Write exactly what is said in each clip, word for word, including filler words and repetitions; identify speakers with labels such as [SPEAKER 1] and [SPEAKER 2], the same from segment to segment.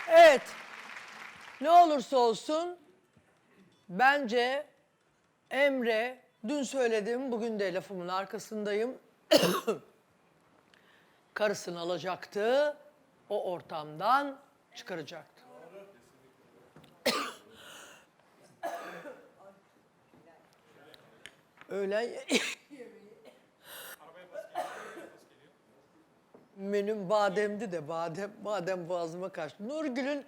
[SPEAKER 1] Evet. Ne olursa olsun bence Emre, dün söyledim, bugün de lafımın arkasındayım. Karısını alacaktı, o ortamdan çıkaracaktı. Öğlen menüm bademdi de badem badem boğazıma kaçtı. Nurgül'ün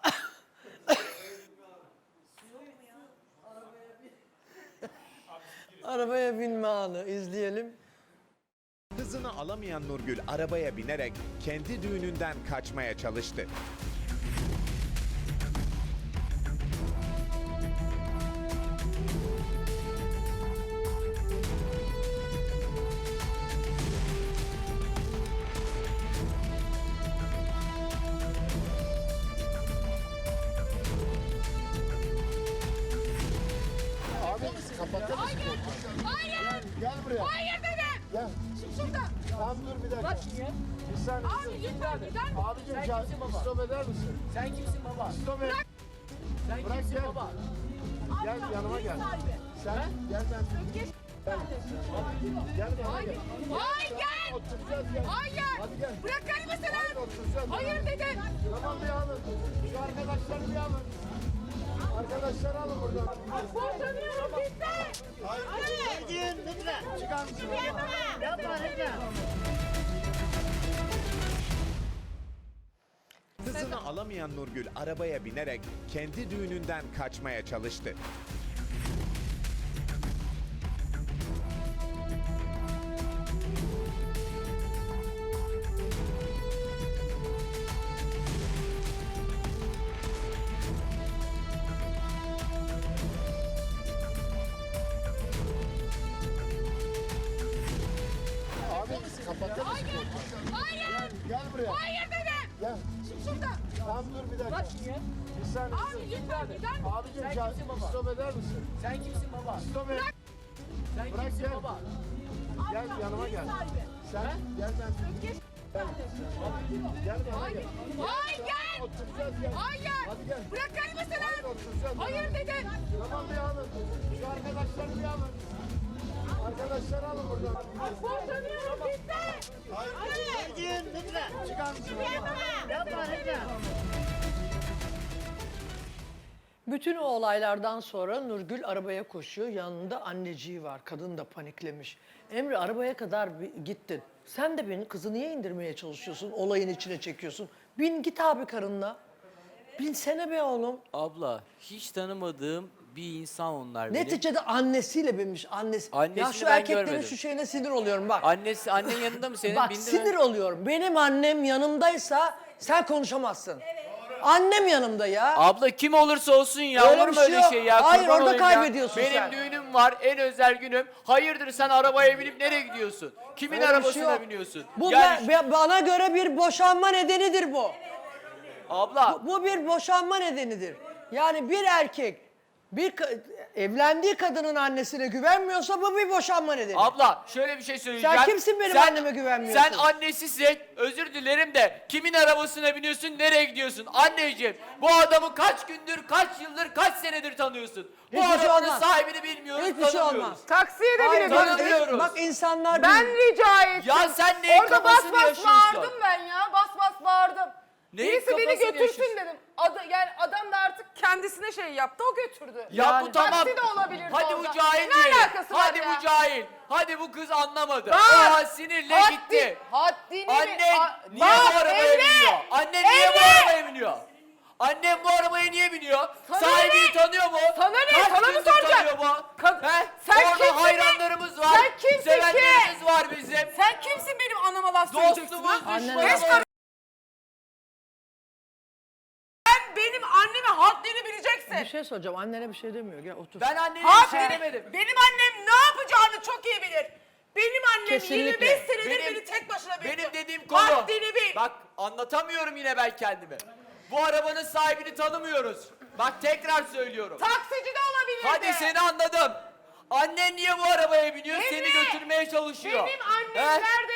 [SPEAKER 1] arabaya binme anı izleyelim.
[SPEAKER 2] Kızını alamayan Nurgül arabaya binerek kendi düğününden kaçmaya çalıştı.
[SPEAKER 3] Hayır! Hayır!
[SPEAKER 4] Gel buraya.
[SPEAKER 3] Hayır dedim!
[SPEAKER 4] Gel.
[SPEAKER 3] Çık şuradan!
[SPEAKER 4] Tamam dur bir dakika.
[SPEAKER 3] Bak niye?
[SPEAKER 4] Bir saniye.
[SPEAKER 3] Abi lütfen gider misin?
[SPEAKER 4] Abicim sen stop eder misin?
[SPEAKER 5] Sen kimsin baba?
[SPEAKER 4] Stop et.
[SPEAKER 5] Sen
[SPEAKER 4] Bırak
[SPEAKER 5] kimsin
[SPEAKER 4] gel.
[SPEAKER 5] baba?
[SPEAKER 4] Gel
[SPEAKER 3] Abla,
[SPEAKER 4] yanıma
[SPEAKER 3] ev
[SPEAKER 4] gel.
[SPEAKER 3] sahibi.
[SPEAKER 4] Sen gel ben.
[SPEAKER 3] Geç kardeşim.
[SPEAKER 4] Gel bana
[SPEAKER 3] Hayır!
[SPEAKER 4] gel.
[SPEAKER 3] Hayır gel!
[SPEAKER 4] Oturacağız gel.
[SPEAKER 3] Hayır!
[SPEAKER 4] Hadi gel.
[SPEAKER 3] Bırakır mısın?
[SPEAKER 4] Hadi oturacağız.
[SPEAKER 3] Hayır dedim!
[SPEAKER 4] Tamam bir alın. Şu arkadaşları bir alın. Arkadaşları alın buradan.
[SPEAKER 3] Boşanıyorum bitti!
[SPEAKER 4] Hayır.
[SPEAKER 3] Hayır!
[SPEAKER 4] Lütfen. Çıkar mısın?
[SPEAKER 3] Yapma lütfen!
[SPEAKER 2] Kızını alamayan Nurgül arabaya binerek kendi düğününden kaçmaya çalıştı.
[SPEAKER 4] Abi kapatır mısın?
[SPEAKER 3] Hayır!
[SPEAKER 4] Gel buraya.
[SPEAKER 3] Hayır dedim!
[SPEAKER 4] Gel.
[SPEAKER 3] Çık şuradan!
[SPEAKER 4] Tamam dur bir dakika.
[SPEAKER 5] Bak niye?
[SPEAKER 4] Bir saniye.
[SPEAKER 3] Abi lütfen gider misin?
[SPEAKER 4] Abicim
[SPEAKER 5] Sen
[SPEAKER 4] sen
[SPEAKER 5] kimsin baba?
[SPEAKER 4] stop eder misin?
[SPEAKER 5] Sen kimsin baba?
[SPEAKER 4] Stop et.
[SPEAKER 5] Sen
[SPEAKER 4] Bırak
[SPEAKER 5] kimsin
[SPEAKER 4] gel.
[SPEAKER 5] baba?
[SPEAKER 4] Gel
[SPEAKER 3] Abla,
[SPEAKER 4] yanıma
[SPEAKER 3] ev
[SPEAKER 4] gel.
[SPEAKER 3] sahibi.
[SPEAKER 4] Sen gel ben.
[SPEAKER 3] Geç kardeşim.
[SPEAKER 4] Gel bana
[SPEAKER 3] Hayır!
[SPEAKER 4] gel.
[SPEAKER 3] Hayır gel!
[SPEAKER 4] Oturacağız gel.
[SPEAKER 3] Hayır!
[SPEAKER 4] Hadi gel.
[SPEAKER 3] Bırakır mısın?
[SPEAKER 4] Hayır oturacağız.
[SPEAKER 3] Hayır dedim!
[SPEAKER 4] Tamam bir alın. Şu arkadaşları bir alın. Arkadaşları alın buradan.
[SPEAKER 3] Boşanıyorum bitti!
[SPEAKER 4] Hayır.
[SPEAKER 3] Hayır!
[SPEAKER 4] Lütfen. Çıkar mısın?
[SPEAKER 3] Yapma lütfen!
[SPEAKER 1] Bütün o olaylardan sonra Nurgül arabaya koşuyor. Yanında anneciği var. Kadın da paniklemiş. Emre arabaya kadar bir gittin. Sen de beni kızı niye indirmeye çalışıyorsun? Olayın içine çekiyorsun. Bin git abi karınla. Binsene be oğlum.
[SPEAKER 6] Abla hiç tanımadığım bir insan onlar benim.
[SPEAKER 1] Neticede annesiyle binmiş. Annesi.
[SPEAKER 6] Annesini
[SPEAKER 1] ya şu
[SPEAKER 6] ben
[SPEAKER 1] erkeklerin
[SPEAKER 6] görmedim.
[SPEAKER 1] şu şeyine sinir oluyorum bak.
[SPEAKER 6] Annesi annen yanında mı senin?
[SPEAKER 1] Bak
[SPEAKER 6] Bindi mi?
[SPEAKER 1] sinir oluyorum. Benim annem yanımdaysa sen konuşamazsın. Annem yanımda ya.
[SPEAKER 6] Abla kim olursa olsun ya
[SPEAKER 1] Öyle
[SPEAKER 6] olur
[SPEAKER 1] bir
[SPEAKER 6] mu
[SPEAKER 1] şey
[SPEAKER 6] öyle
[SPEAKER 1] yok.
[SPEAKER 6] şey ya?
[SPEAKER 1] Hayır,
[SPEAKER 6] Kurban
[SPEAKER 1] orada
[SPEAKER 6] olayım ya.
[SPEAKER 1] kaybediyorsun
[SPEAKER 6] Benim
[SPEAKER 1] sen.
[SPEAKER 6] düğünüm var en özel günüm. Hayırdır sen arabaya binip nereye gidiyorsun? Kimin
[SPEAKER 1] Öyle bir şey
[SPEAKER 6] arabasına
[SPEAKER 1] yok.
[SPEAKER 6] biniyorsun?
[SPEAKER 1] Bu
[SPEAKER 6] Yani
[SPEAKER 1] be- be- bana göre bir boşanma nedenidir bu.
[SPEAKER 6] abla
[SPEAKER 1] Bu bir boşanma nedenidir. Yani bir erkek bir ka- evlendiği kadının annesine güvenmiyorsa bu bir boşanma nedeni.
[SPEAKER 6] abla şöyle bir şey söyleyeceğim.
[SPEAKER 1] Sen kimsin benim anneme güvenmiyorsun?
[SPEAKER 6] Sen annesisin. Özür dilerim de kimin arabasına biniyorsun? Nereye gidiyorsun? Anneciğim bu adamı kaç gündür, kaç yıldır, kaç senedir tanıyorsun? Bu
[SPEAKER 1] Hiçbir şey
[SPEAKER 6] arabanın
[SPEAKER 1] olmaz.
[SPEAKER 6] sahibini bilmiyoruz,
[SPEAKER 1] Hiçbir şey
[SPEAKER 6] tanımıyoruz.
[SPEAKER 1] olmaz.
[SPEAKER 3] Taksiye de
[SPEAKER 1] Hayır,
[SPEAKER 3] binebilirim.
[SPEAKER 6] tanımıyoruz.
[SPEAKER 1] bak insanlar
[SPEAKER 3] Ben
[SPEAKER 1] bir-
[SPEAKER 3] rica ettim.
[SPEAKER 6] Ya sen neyin
[SPEAKER 3] Orada bas
[SPEAKER 6] kafasını
[SPEAKER 3] bas
[SPEAKER 6] yaşıyorsun?
[SPEAKER 3] bağırdım ben ya. Bas bas bağırdım.
[SPEAKER 6] Neyin
[SPEAKER 3] Birisi beni
[SPEAKER 6] kafasını
[SPEAKER 3] götürsün
[SPEAKER 6] yaşıyorsun?
[SPEAKER 3] dedim. Adı, yani adam da artık kendisine şey yaptı, o götürdü.
[SPEAKER 6] Ya
[SPEAKER 1] Yani-
[SPEAKER 6] bu tamam.
[SPEAKER 3] Taksi de olabilir
[SPEAKER 6] Hadi
[SPEAKER 3] orada.
[SPEAKER 6] bu cahil
[SPEAKER 3] Ne
[SPEAKER 6] diyelim.
[SPEAKER 3] alakası var
[SPEAKER 6] Hadi
[SPEAKER 3] ya?
[SPEAKER 6] bu cahil. Hadi bu kız anlamadı.
[SPEAKER 3] Bak,
[SPEAKER 6] O an sinirle
[SPEAKER 3] Haddi-
[SPEAKER 6] gitti.
[SPEAKER 3] Haddini bil-
[SPEAKER 6] Annen
[SPEAKER 3] A-
[SPEAKER 6] niye
[SPEAKER 3] Bak,
[SPEAKER 6] bu arabaya
[SPEAKER 3] Emre!
[SPEAKER 6] biniyor? Annen niye bu
[SPEAKER 3] Emre!
[SPEAKER 6] arabaya biniyor? Annem bu arabaya niye biniyor?
[SPEAKER 3] Sana
[SPEAKER 6] Sahibini
[SPEAKER 3] ne?
[SPEAKER 6] tanıyor mu?
[SPEAKER 3] Sana ne?
[SPEAKER 6] Kaç
[SPEAKER 3] Sana mı
[SPEAKER 6] gündür
[SPEAKER 3] soracak?
[SPEAKER 6] tanıyor bu?
[SPEAKER 3] Kad-
[SPEAKER 6] He?
[SPEAKER 3] Sen
[SPEAKER 6] Orada
[SPEAKER 3] kimsin be?
[SPEAKER 6] hayranlarımız var.
[SPEAKER 3] Sen kimsin ki?
[SPEAKER 6] Sevenlerimiz var bizim.
[SPEAKER 3] Sen kimsin benim anama laf söyleyeceksin?
[SPEAKER 6] Dostumuz,
[SPEAKER 3] ha?
[SPEAKER 1] Annen-
[SPEAKER 6] düşmanımız.
[SPEAKER 3] Beş Sen benim anneme haddini bileceksin.
[SPEAKER 1] Bir şey soracağım. Annene bir şey demiyor. Gel otur.
[SPEAKER 6] Ben annene bir şey
[SPEAKER 3] Haddini-
[SPEAKER 6] demedim.
[SPEAKER 3] Benim annem ne yapacağını çok iyi bilir. Benim annem
[SPEAKER 1] Kesinlikle.
[SPEAKER 3] yirmi beş senedir
[SPEAKER 6] Benim-
[SPEAKER 3] beni tek başına büyüttü.
[SPEAKER 6] Benim dediğim konu.
[SPEAKER 3] Haddini bil.
[SPEAKER 6] Bak anlatamıyorum yine ben kendimi. Bu arabanın sahibini tanımıyoruz. Bak tekrar söylüyorum.
[SPEAKER 3] Taksici de olabilirdi.
[SPEAKER 6] Hadi seni anladım. Annen niye bu arabaya biniyor?
[SPEAKER 3] Emre,
[SPEAKER 6] Seni götürmeye çalışıyor.
[SPEAKER 3] Benim annem
[SPEAKER 6] He?
[SPEAKER 3] nerede ne yapacak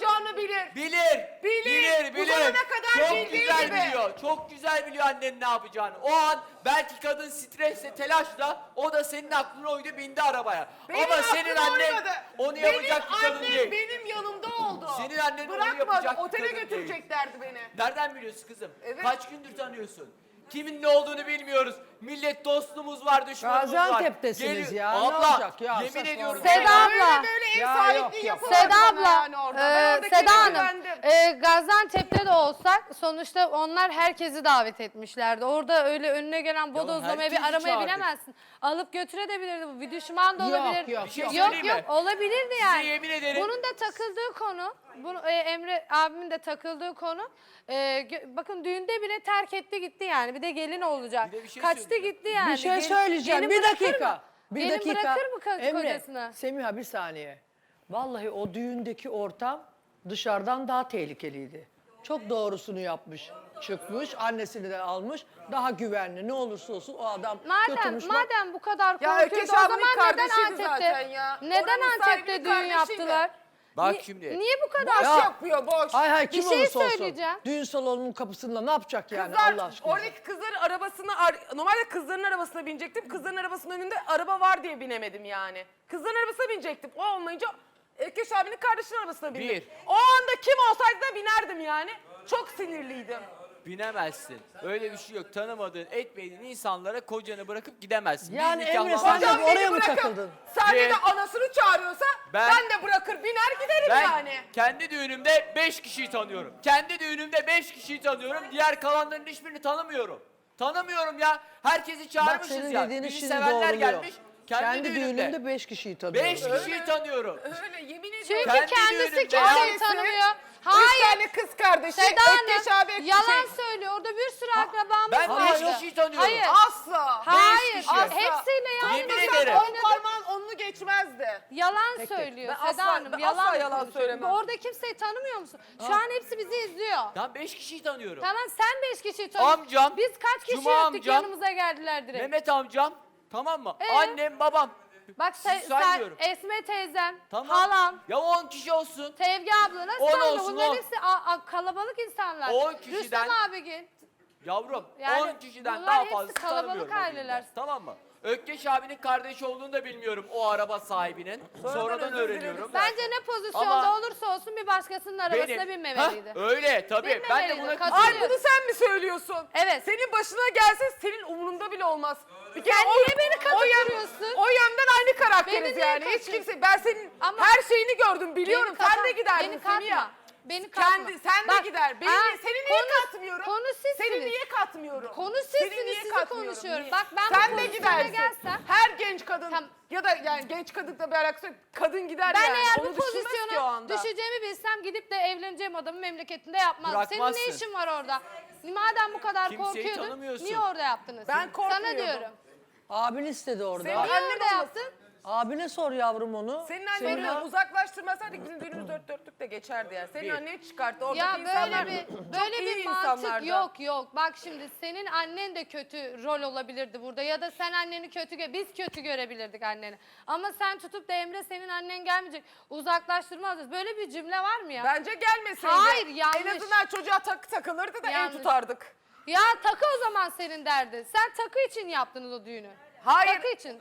[SPEAKER 3] yapacağını bilir.
[SPEAKER 6] Bilir.
[SPEAKER 3] Bilir.
[SPEAKER 6] Bilir,
[SPEAKER 3] Bu
[SPEAKER 6] bilir.
[SPEAKER 3] zamana kadar
[SPEAKER 6] Çok
[SPEAKER 3] bildiği
[SPEAKER 6] güzel
[SPEAKER 3] gibi.
[SPEAKER 6] biliyor. Çok güzel biliyor annenin ne yapacağını. O an belki kadın stresle, telaşla o da senin aklına uydu, bindi arabaya.
[SPEAKER 3] Benim
[SPEAKER 6] Ama senin
[SPEAKER 3] aklıma
[SPEAKER 6] annen
[SPEAKER 3] uymadı.
[SPEAKER 6] onu
[SPEAKER 3] Benim
[SPEAKER 6] yapacak bir kadın
[SPEAKER 3] annem
[SPEAKER 6] değil.
[SPEAKER 3] benim yanımda oldu.
[SPEAKER 6] Senin annen onu
[SPEAKER 3] Bırakmadı,
[SPEAKER 6] yapacak bir
[SPEAKER 3] otele
[SPEAKER 6] kadın
[SPEAKER 3] götüreceklerdi beni.
[SPEAKER 6] Nereden biliyorsun kızım?
[SPEAKER 3] Evet.
[SPEAKER 6] Kaç gündür tanıyorsun? Kimin ne olduğunu bilmiyoruz. Millet dostluğumuz var, düşmanımız var.
[SPEAKER 1] Gaziantep'tesiniz
[SPEAKER 6] Geliyor-
[SPEAKER 1] ya, ne
[SPEAKER 6] Abla,
[SPEAKER 1] olacak ya,
[SPEAKER 6] yemin
[SPEAKER 1] saçmalama.
[SPEAKER 6] ediyorum.
[SPEAKER 7] Seda
[SPEAKER 6] sana-
[SPEAKER 7] abla.
[SPEAKER 3] Böyle böyle ev
[SPEAKER 1] Ya
[SPEAKER 3] sahipliği
[SPEAKER 1] yok, yok.
[SPEAKER 3] yapamadı
[SPEAKER 7] Seda
[SPEAKER 3] bana
[SPEAKER 7] abla,
[SPEAKER 3] yani orada. Ben
[SPEAKER 7] e,
[SPEAKER 3] oradakine
[SPEAKER 7] Seda Hanım,
[SPEAKER 3] güvendim.
[SPEAKER 7] e, Gaziantep'te de olsak sonuçta onlar herkesi davet etmişlerdi. Orada öyle önüne gelen bodozlamaya bir
[SPEAKER 6] herkesi
[SPEAKER 7] aramayı
[SPEAKER 6] çağırdık.
[SPEAKER 7] bilemezsin. Alıp götürebilirdi bu. Bir düşman da
[SPEAKER 1] Yok,
[SPEAKER 7] olabilir.
[SPEAKER 1] yok,
[SPEAKER 6] Bir şey
[SPEAKER 7] yok,
[SPEAKER 6] söyleyeyim
[SPEAKER 7] yok
[SPEAKER 6] mi?
[SPEAKER 7] olabilirdi yani.
[SPEAKER 6] yemin ederim-
[SPEAKER 7] Bunun da takıldığı konu, bunu, e, Emre abimin de takıldığı konu. e, gö- bakın düğünde bile terk etti gitti yani. Bir de gelin olacak.
[SPEAKER 6] Bir de bir şey
[SPEAKER 7] Kaçtı
[SPEAKER 6] söyleyeceğim.
[SPEAKER 7] gitti yani.
[SPEAKER 1] Bir şey
[SPEAKER 7] Gelin-
[SPEAKER 1] söyleyeceğim.
[SPEAKER 7] gelin
[SPEAKER 1] Bir
[SPEAKER 7] bırakır
[SPEAKER 1] dakika.
[SPEAKER 7] mı?
[SPEAKER 1] Bir
[SPEAKER 7] Gelin
[SPEAKER 1] dakika.
[SPEAKER 7] bırakır mı ko-
[SPEAKER 1] Emre,
[SPEAKER 7] kocasını?
[SPEAKER 1] Semiha bir saniye. Vallahi o düğündeki ortam dışarıdan daha tehlikeliydi. Çok doğrusunu yapmış. Çıkmış, annesini de almış. Daha güvenli. Ne olursa olsun o adam
[SPEAKER 7] Madem
[SPEAKER 1] götürmüş. bak-
[SPEAKER 7] madem bu kadar
[SPEAKER 3] Ya
[SPEAKER 7] korkuyordu
[SPEAKER 3] Ökeş
[SPEAKER 7] o zaman
[SPEAKER 3] abinin
[SPEAKER 7] neden
[SPEAKER 3] kardeşiydi
[SPEAKER 7] Antep'te
[SPEAKER 3] zaten ya.
[SPEAKER 7] neden
[SPEAKER 3] Oranın
[SPEAKER 7] Antep'te
[SPEAKER 3] sahibinin
[SPEAKER 7] düğün
[SPEAKER 3] kardeşiydi.
[SPEAKER 7] yaptılar?
[SPEAKER 6] Bak
[SPEAKER 7] Ni-
[SPEAKER 6] şimdi.
[SPEAKER 7] Niye bu kadar?
[SPEAKER 3] Boş
[SPEAKER 1] Ya.
[SPEAKER 3] yapıyor boş.
[SPEAKER 1] Hay hay kim
[SPEAKER 7] Bir şey
[SPEAKER 1] olursa olsun.
[SPEAKER 7] söyleyeceğim.
[SPEAKER 1] Düğün salonunun kapısında ne yapacak yani
[SPEAKER 3] Kızlar,
[SPEAKER 1] Allah aşkına.
[SPEAKER 3] oradaki kızların arabasını, ar- normalde kızların arabasına binecektim. Kızların arabasının önünde araba var diye binemedim yani. Kızların arabasına binecektim. O olmayınca Ökeş abinin kardeşinin arabasına bindim.
[SPEAKER 6] Bir.
[SPEAKER 3] O anda kim olsaydı da binerdim yani. Çok sinirliydim.
[SPEAKER 6] Binemezsin. Öyle bir şey yok. Tanımadığın, etmediğin insanlara kocanı bırakıp gidemezsin.
[SPEAKER 1] Yani
[SPEAKER 6] Bir
[SPEAKER 1] Emre,
[SPEAKER 6] nikahlanma-
[SPEAKER 1] sen de
[SPEAKER 3] Hocam
[SPEAKER 1] oraya
[SPEAKER 3] beni
[SPEAKER 1] mı
[SPEAKER 3] bırakıp
[SPEAKER 1] takıldın?
[SPEAKER 3] sahnede
[SPEAKER 6] Bir.
[SPEAKER 3] anasını çağırıyorsa
[SPEAKER 6] Ben-
[SPEAKER 3] ben, de bırakır biner giderim
[SPEAKER 6] Ben
[SPEAKER 3] yani.
[SPEAKER 6] kendi düğünümde beş kişiyi tanıyorum. Kendi düğünümde beş kişiyi tanıyorum. Diğer kalanların hiçbirini tanımıyorum. Tanımıyorum ya. Herkesi
[SPEAKER 1] Bak
[SPEAKER 6] çağırmışız
[SPEAKER 1] senin
[SPEAKER 6] ya.
[SPEAKER 1] dediğini
[SPEAKER 6] Bizi
[SPEAKER 1] şimdi
[SPEAKER 6] sevenler
[SPEAKER 1] doğruluyor.
[SPEAKER 6] gelmiş. Kendi,
[SPEAKER 1] Kendi
[SPEAKER 6] düğünümde.
[SPEAKER 1] düğünümde beş kişiyi tanıyorum.
[SPEAKER 6] Beş kişiyi tanıyorum.
[SPEAKER 3] Öyle yemin ediyorum.
[SPEAKER 7] Çünkü
[SPEAKER 6] Kendi
[SPEAKER 7] kendisi
[SPEAKER 6] düğünümde
[SPEAKER 7] kimseyi
[SPEAKER 3] ya.
[SPEAKER 7] tanımıyor.
[SPEAKER 3] Üç
[SPEAKER 7] Hayır.
[SPEAKER 3] tane kız kardeşi,
[SPEAKER 7] Seda
[SPEAKER 3] Ökeş
[SPEAKER 7] Hanım
[SPEAKER 3] abi
[SPEAKER 7] yalan
[SPEAKER 3] şey-
[SPEAKER 7] söylüyor. Orada bir sürü akrabamız
[SPEAKER 6] Ben
[SPEAKER 7] var.
[SPEAKER 6] beş kişiyi tanıyorum.
[SPEAKER 7] Hayır.
[SPEAKER 3] Asla.
[SPEAKER 7] Hayır.
[SPEAKER 6] kişi.
[SPEAKER 7] Asla. Hepsiyle yan
[SPEAKER 6] Yemin
[SPEAKER 7] masa
[SPEAKER 6] ederim.
[SPEAKER 3] On
[SPEAKER 7] oynadık.
[SPEAKER 3] parmağın onunu geçmezdi.
[SPEAKER 7] Yalan söylüyor
[SPEAKER 3] Ben
[SPEAKER 7] Seda
[SPEAKER 3] asla-
[SPEAKER 7] Hanım.
[SPEAKER 3] ben
[SPEAKER 7] yalan
[SPEAKER 3] asla yalan
[SPEAKER 7] konuşuyor.
[SPEAKER 3] söylemem.
[SPEAKER 7] Orada kimseyi tanımıyor musun? Şu an hepsi bizi izliyor.
[SPEAKER 6] Ben beş kişiyi tanıyorum.
[SPEAKER 7] Tamam sen beş kişiyi tanıyorsun.
[SPEAKER 6] Amcam,
[SPEAKER 7] Biz kaç kişi
[SPEAKER 6] Cuma
[SPEAKER 7] öptük
[SPEAKER 6] amcam,
[SPEAKER 7] yanımıza geldiler direkt.
[SPEAKER 6] Mehmet amcam, tamam mı?
[SPEAKER 7] Ee?
[SPEAKER 6] Annem, babam.
[SPEAKER 7] Bak
[SPEAKER 6] Siz
[SPEAKER 7] sen, sen
[SPEAKER 6] saymıyorum.
[SPEAKER 7] Esme teyzem,
[SPEAKER 6] Tamam.
[SPEAKER 7] halam,
[SPEAKER 6] Ya on kişi olsun.
[SPEAKER 7] Sevgi abla nasıl
[SPEAKER 6] On
[SPEAKER 7] sayma?
[SPEAKER 6] olsun,
[SPEAKER 7] Bunların
[SPEAKER 6] on.
[SPEAKER 7] hepsi a- a- kalabalık insanlar.
[SPEAKER 6] On kişiden-
[SPEAKER 7] Rüstem abigil.
[SPEAKER 6] Yavrum
[SPEAKER 7] Yani
[SPEAKER 6] on kişiden
[SPEAKER 7] bunlar
[SPEAKER 6] daha
[SPEAKER 7] hepsi
[SPEAKER 6] fazla
[SPEAKER 7] kalabalık
[SPEAKER 6] tanımıyorum. o
[SPEAKER 7] aileler.
[SPEAKER 6] düğünde. Tamam mı? Ökkeş abinin kardeşi olduğunu da bilmiyorum o araba sahibinin. Sonradan
[SPEAKER 3] özür
[SPEAKER 6] öğreniyorum.
[SPEAKER 7] Bence ne pozisyonda
[SPEAKER 6] Ama-
[SPEAKER 7] olursa olsun bir başkasının arabasına
[SPEAKER 6] Benim-
[SPEAKER 7] binmemeliydi.
[SPEAKER 6] Hah, öyle tabii. Ben de
[SPEAKER 7] Binmemeliydi,
[SPEAKER 6] buna
[SPEAKER 7] katılıyorum.
[SPEAKER 3] Ay bunu sen mi söylüyorsun?
[SPEAKER 7] Evet.
[SPEAKER 3] Senin başına gelse senin umurunda bile olmaz. Bir kere
[SPEAKER 7] Sen
[SPEAKER 3] o,
[SPEAKER 7] niye beni
[SPEAKER 3] o, yön-
[SPEAKER 7] katılıyorsun?
[SPEAKER 3] o yönden aynı karakteriz
[SPEAKER 7] Beni niye
[SPEAKER 3] yani. Hiç
[SPEAKER 7] katıyorsun?
[SPEAKER 3] kimse ben senin
[SPEAKER 7] Ama-
[SPEAKER 3] her şeyini gördüm biliyorum.
[SPEAKER 7] Beni
[SPEAKER 3] Sen de
[SPEAKER 7] katma,
[SPEAKER 3] giderdin
[SPEAKER 7] beni katma.
[SPEAKER 3] Semiha.
[SPEAKER 7] Beni katma.
[SPEAKER 3] Kendi, sen
[SPEAKER 7] Bak,
[SPEAKER 3] de gider. Beni,
[SPEAKER 7] ha,
[SPEAKER 3] niye- seni niye
[SPEAKER 7] konu-
[SPEAKER 3] katmıyorum?
[SPEAKER 7] konu sizsiniz.
[SPEAKER 3] Seni niye katmıyorum?
[SPEAKER 7] Konu
[SPEAKER 3] Seni
[SPEAKER 7] sizsiniz,
[SPEAKER 3] niye
[SPEAKER 7] sizi
[SPEAKER 3] katmıyorum?
[SPEAKER 7] konuşuyorum.
[SPEAKER 3] Niye?
[SPEAKER 7] Bak ben bu
[SPEAKER 3] sen de
[SPEAKER 7] pozisyona
[SPEAKER 3] gidersin.
[SPEAKER 7] gelsem-
[SPEAKER 3] Her genç kadın
[SPEAKER 7] Tamam.
[SPEAKER 3] ya da yani genç kadınla bir alakası yok. Kadın gider
[SPEAKER 7] Ben
[SPEAKER 3] yani.
[SPEAKER 7] eğer
[SPEAKER 3] Onu
[SPEAKER 7] bu
[SPEAKER 3] düşünmez ki o
[SPEAKER 7] pozisyona
[SPEAKER 3] anda.
[SPEAKER 7] düşeceğimi bilsem gidip de evleneceğim adamı memleketinde yapmazdım. Senin ne
[SPEAKER 6] Bırakmazsın.
[SPEAKER 7] işin var orada? Madem bu kadar
[SPEAKER 6] Kimseyi
[SPEAKER 7] korkuyordun
[SPEAKER 6] tanımıyorsun.
[SPEAKER 7] niye orada yaptınız?
[SPEAKER 3] Ben
[SPEAKER 7] Sana
[SPEAKER 3] korkmuyordum.
[SPEAKER 7] diyorum.
[SPEAKER 1] Abin istedi orada.
[SPEAKER 3] Senin
[SPEAKER 7] Niye
[SPEAKER 3] annen
[SPEAKER 7] orada
[SPEAKER 3] olmasın.
[SPEAKER 7] yaptın?
[SPEAKER 1] Abine sor yavrum onu.
[SPEAKER 3] Senin
[SPEAKER 1] Senin
[SPEAKER 3] annen
[SPEAKER 1] a-
[SPEAKER 3] uzaklaştırmasaydı bizim düğünümüz dört dörtlük de geçerdi yani. Senin
[SPEAKER 6] Bir.
[SPEAKER 3] annen çıkarttı. Oradaki
[SPEAKER 7] Ya
[SPEAKER 3] insanlar
[SPEAKER 7] böyle bir
[SPEAKER 3] çok
[SPEAKER 7] böyle
[SPEAKER 3] iyi
[SPEAKER 7] bir mantık
[SPEAKER 3] insanlardı.
[SPEAKER 7] yok yok. Bak şimdi senin annen de kötü rol olabilirdi burada ya da sen anneni kötü gö biz kötü görebilirdik anneni. Ama sen tutup da Emre senin annen gelmeyecek. Uzaklaştırmazız. Böyle bir cümle var mı ya?
[SPEAKER 3] Bence gelmeseydi.
[SPEAKER 7] Hayır, yanlış.
[SPEAKER 3] En azından çocuğa takı takılırdı da
[SPEAKER 7] Yanlış.
[SPEAKER 3] ev tutardık.
[SPEAKER 7] Ya takı o zaman senin derdi. Sen takı için yaptınız o düğünü.
[SPEAKER 3] Hayır.
[SPEAKER 7] Takı için.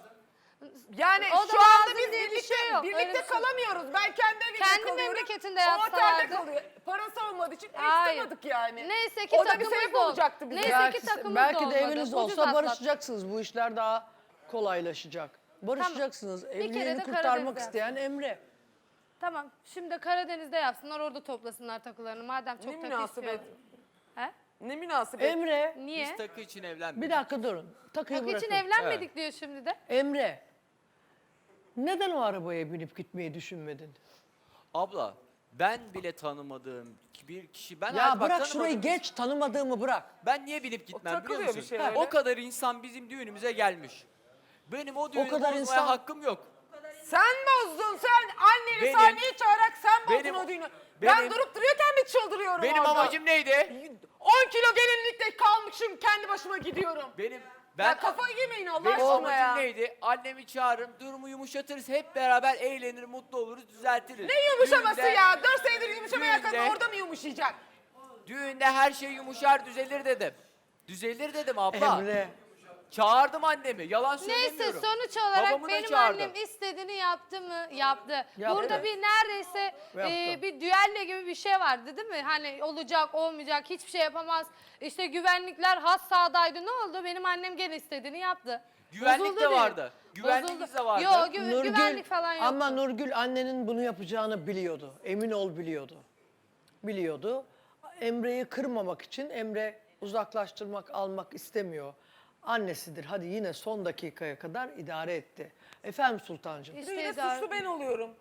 [SPEAKER 3] Yani
[SPEAKER 7] O da
[SPEAKER 3] şu anda
[SPEAKER 7] lazım
[SPEAKER 3] biz
[SPEAKER 7] diye bir
[SPEAKER 3] birlikte,
[SPEAKER 7] şey yok, öyle
[SPEAKER 3] birlikte
[SPEAKER 7] bir şey yok.
[SPEAKER 3] kalamıyoruz. Ben kendi evimde
[SPEAKER 7] Kendi
[SPEAKER 3] kalıyorum.
[SPEAKER 7] memleketinde
[SPEAKER 3] O otelde
[SPEAKER 7] yapsalardı.
[SPEAKER 3] kalıyor. Parası olmadığı için ev
[SPEAKER 7] Hayır.
[SPEAKER 3] tutamadık yani.
[SPEAKER 7] Neyse ki
[SPEAKER 3] O da bir
[SPEAKER 7] takımız
[SPEAKER 3] sebep
[SPEAKER 7] da ol-
[SPEAKER 3] olacaktı bize.
[SPEAKER 7] Neyse
[SPEAKER 1] belki,
[SPEAKER 7] ki takımız
[SPEAKER 1] belki
[SPEAKER 7] da
[SPEAKER 1] de
[SPEAKER 7] olmadı.
[SPEAKER 1] eviniz
[SPEAKER 7] Ucuz
[SPEAKER 1] olsa
[SPEAKER 7] atlattık.
[SPEAKER 1] barışacaksınız. Bu işler daha kolaylaşacak. Barışacaksınız.
[SPEAKER 7] kere de
[SPEAKER 1] Evliliğini kurtarmak
[SPEAKER 7] Karadeniz'de
[SPEAKER 1] isteyen Emre.
[SPEAKER 7] Tamam. Şimdi Karadeniz'de yapsınlar. Orada toplasınlar takılarını. Madem çok
[SPEAKER 3] Ne
[SPEAKER 7] takı
[SPEAKER 3] münasebet.
[SPEAKER 7] istiyorlar. He?
[SPEAKER 3] Ne münasebet.
[SPEAKER 1] Emre,
[SPEAKER 7] Niye?
[SPEAKER 6] Biz takı için evlenmedik.
[SPEAKER 1] bir dakika durun. Takıyı
[SPEAKER 7] Takı için
[SPEAKER 1] bırakın.
[SPEAKER 7] evlenmedik diyor şimdi de.
[SPEAKER 1] Emre, neden o arabaya binip gitmeyi düşünmedin?
[SPEAKER 6] Abla ben bile tanımadığım bir kişi ben
[SPEAKER 1] Ya
[SPEAKER 6] hayat- bak,
[SPEAKER 1] bırak şurayı
[SPEAKER 6] tanımadığım-
[SPEAKER 1] geç, tanımadığımı bırak.
[SPEAKER 6] Ben niye binip gitmem biliyor
[SPEAKER 3] takılıyor
[SPEAKER 6] musun?
[SPEAKER 3] bir şey
[SPEAKER 6] Ha,
[SPEAKER 3] öyle.
[SPEAKER 6] o kadar insan bizim düğünümüze gelmiş. Benim o düğünü
[SPEAKER 1] kadar
[SPEAKER 6] bozmaya
[SPEAKER 1] insan-
[SPEAKER 6] hakkım yok.
[SPEAKER 3] Sen bozdun sen. Anneni
[SPEAKER 6] Benim-
[SPEAKER 3] sahneye çağırarak sen bozdun
[SPEAKER 6] benim-
[SPEAKER 3] o düğünü. ben
[SPEAKER 6] benim-
[SPEAKER 3] durup duruyorken mi çıldırıyorum
[SPEAKER 6] Benim
[SPEAKER 3] orada?
[SPEAKER 6] amacım neydi?
[SPEAKER 3] on kilo gelinlikle kalmışım kendi başıma gidiyorum.
[SPEAKER 6] Benim Ben
[SPEAKER 3] Ya kafayı yemeyin Allah
[SPEAKER 6] Benim
[SPEAKER 3] aşkına
[SPEAKER 6] amacım
[SPEAKER 3] ya.
[SPEAKER 6] neydi? Annemi çağırırım, durumu yumuşatırız, hep beraber eğlenir, mutlu oluruz, düzeltiriz.
[SPEAKER 3] Ne yumuşaması
[SPEAKER 6] Düğünde-
[SPEAKER 3] ya? Dört senedir yumuşamayan kadın
[SPEAKER 6] düğünde-
[SPEAKER 3] orada mı yumuşayacak?
[SPEAKER 6] Düğünde her şey yumuşar, düzelir dedim. Düzelir dedim abla.
[SPEAKER 1] Emre.
[SPEAKER 6] Çağırdım annemi, yalan
[SPEAKER 7] Neyse
[SPEAKER 6] söylemiyorum.
[SPEAKER 7] sonuç olarak
[SPEAKER 6] Babamı da
[SPEAKER 7] benim
[SPEAKER 6] çağırdım.
[SPEAKER 7] annem istediğini yaptı mı? Yaptı.
[SPEAKER 1] Yaptı.
[SPEAKER 7] Burada bir neredeyse
[SPEAKER 1] Yaptı.
[SPEAKER 7] e, bir düelle gibi bir şey vardı değil mi? Hani olacak olmayacak hiçbir şey yapamaz. İşte güvenlikler has sahadaydı. Ne oldu? Benim annem gene istediğini yaptı.
[SPEAKER 6] Güvenlik
[SPEAKER 7] Bozuldu
[SPEAKER 6] de
[SPEAKER 7] benim.
[SPEAKER 6] vardı. Güvenliğimiz
[SPEAKER 7] Bozuldu.
[SPEAKER 6] de vardı.
[SPEAKER 7] Yok gü- güvenlik falan yoktu.
[SPEAKER 1] Ama Nurgül annenin bunu yapacağını biliyordu. Emin ol biliyordu. Biliyordu. Emre'yi kırmamak için Emre uzaklaştırmak, almak istemiyor. Annesidir. Hadi yine son dakikaya kadar idare etti. Efendim Sultancığım.
[SPEAKER 7] İşte
[SPEAKER 3] Yine
[SPEAKER 7] idare-
[SPEAKER 3] suçlu ben oluyorum.